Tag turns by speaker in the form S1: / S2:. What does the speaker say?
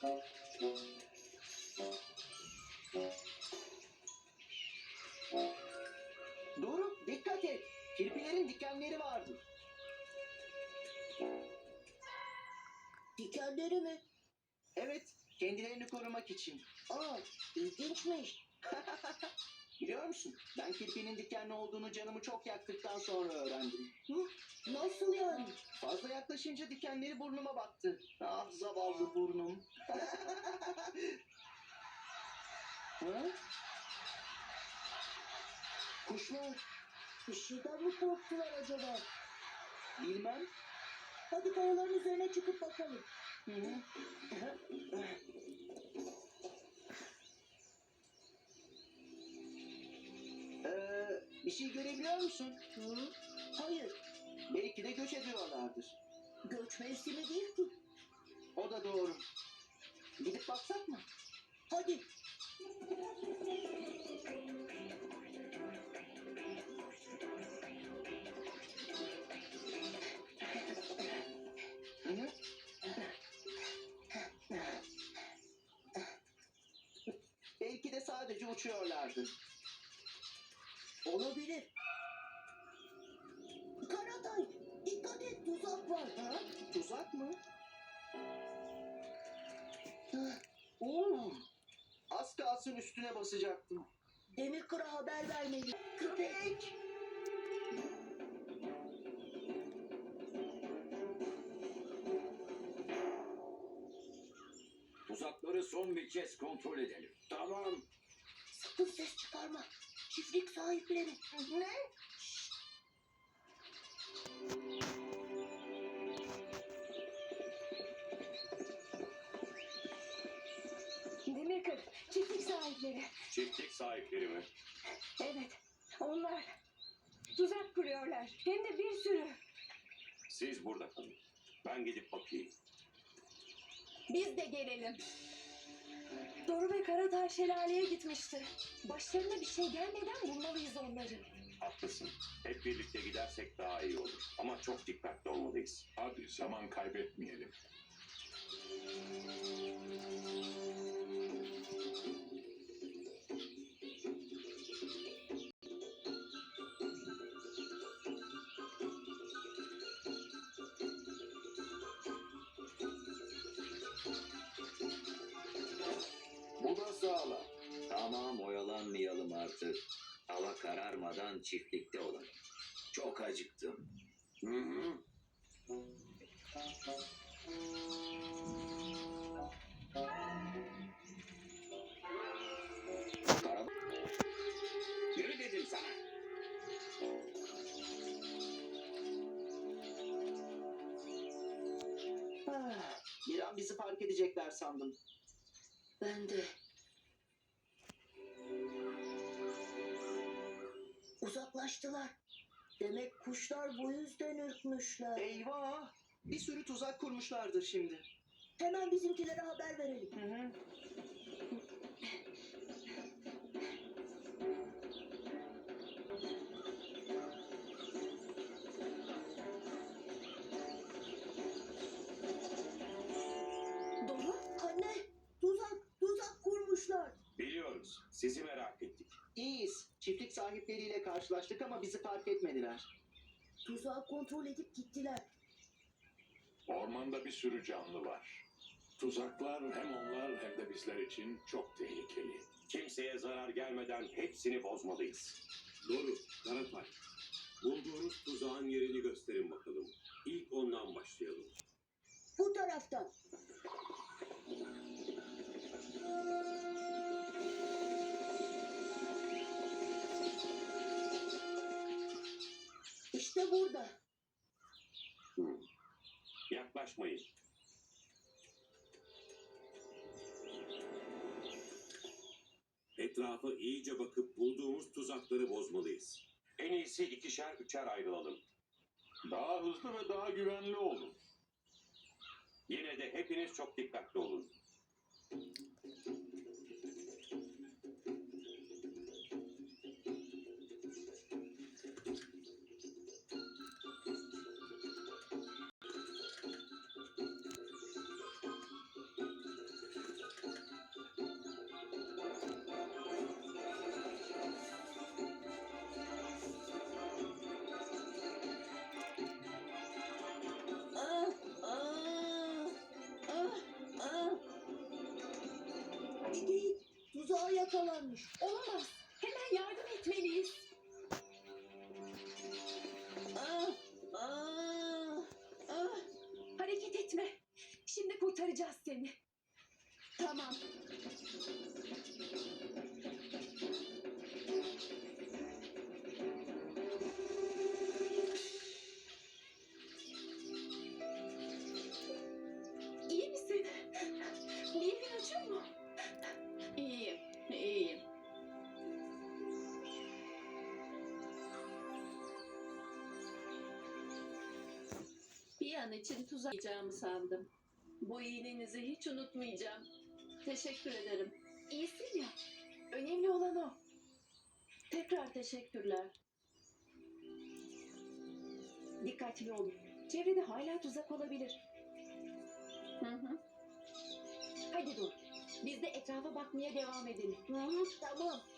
S1: Doğru, dikkat et. Kirpilerin dikenleri vardı.
S2: Dikenleri mi?
S1: Evet, kendilerini korumak için.
S2: Aa, ilginçmiş.
S1: Biliyor musun? Ben kirpinin dikenli olduğunu canımı çok yaktıktan sonra öğrendim.
S2: Hı? Nasıl yani?
S1: Fazla yaklaşınca dikenleri burnuma battı. Ah zavallı burnum. Ha?
S2: Kuşlar bir şeyden mi korktular acaba?
S1: Bilmem.
S2: Hadi kayaların üzerine çıkıp bakalım.
S1: Hı hı. Bir şey görebiliyor musun?
S2: Hı? Hayır,
S1: Belki de göç ediyorlardır.
S2: göç mevsimi değil ki.
S1: O da doğru. Gidip baksak mı?
S2: Hadi.
S1: Hı hı. Belki de sadece uçuyorlardı.
S2: Olabilir. Karatay, dikkat et, tuzak var.
S1: Ha? Tuzak mı? Oo. Az kalsın üstüne basacaktım.
S2: Demirkır'a haber vermeli.
S1: Köpek!
S3: Tuzakları son bir kez kontrol edelim.
S1: Tamam.
S2: Sakın ses çıkarma. Çiftlik sahipleri.
S1: Ne?
S4: Demirkır, çiftlik sahipleri.
S3: Çiftlik sahipleri mi?
S4: Evet, onlar tuzak kuruyorlar. Hem de bir sürü.
S3: Siz burada kalın. Ben gidip bakayım.
S4: Biz de gelelim. Doru ve Karatay şelaleye gitmişti. Başlarına bir şey gelmeden bulmalıyız onları.
S3: Haklısın. Hep birlikte gidersek daha iyi olur. Ama çok dikkatli olmalıyız.
S5: Hadi zaman kaybetmeyelim.
S6: Bu da sağlam. Tamam, oyalanmayalım artık. Hava kararmadan çiftlikte olalım. Çok acıktım.
S3: Hı hı.
S6: Kara... Yürü dedim sana.
S1: Bir an bizi fark edecekler sandım.
S2: Ben de. Uzaklaştılar. Demek kuşlar bu yüzden ürkmüşler.
S1: Eyvah! Bir sürü tuzak kurmuşlardır şimdi.
S2: Hemen bizimkilere haber verelim.
S1: Hı hı.
S4: Doru,
S2: Anne, tuzak kurmuşlar.
S3: Biliyoruz. Sizi merak ettik.
S1: İyiyiz. Çiftlik sahipleriyle karşılaştık ama bizi fark etmediler.
S2: Tuzağı kontrol edip gittiler.
S5: Ormanda bir sürü canlı var. Tuzaklar hem onlar hem de bizler için çok tehlikeli.
S3: Kimseye zarar gelmeden hepsini bozmalıyız.
S7: Doğru, Karatay. Bulduğunuz tuzağın yerini gösterin bakalım. İlk ondan başlayalım.
S2: Bu taraftan. İşte burada.
S3: Yaklaşmayın.
S7: Etrafa iyice bakıp bulduğumuz tuzakları bozmalıyız.
S3: En iyisi ikişer üçer ayrılalım.
S5: Daha hızlı ve daha güvenli olun.
S3: Yine de hepiniz çok dikkatli olun.
S2: yumurtalanmış.
S4: Olamaz. Hemen yardım etmeliyiz. Hareket etme. Şimdi kurtaracağız seni. Tamam. İyi misin? Bir yerin acıyor mu? İyiyim, iyiyim. Bir an için tuzaklayacağımı sandım. Bu iyiliğinizi hiç unutmayacağım. Teşekkür ederim. İyisin ya. Önemli olan o. Tekrar teşekkürler. Dikkatli olun. Çevrede hala tuzak olabilir. Hı hı. Hadi dur. Biz de etrafa bakmaya devam edelim.
S2: Tamam.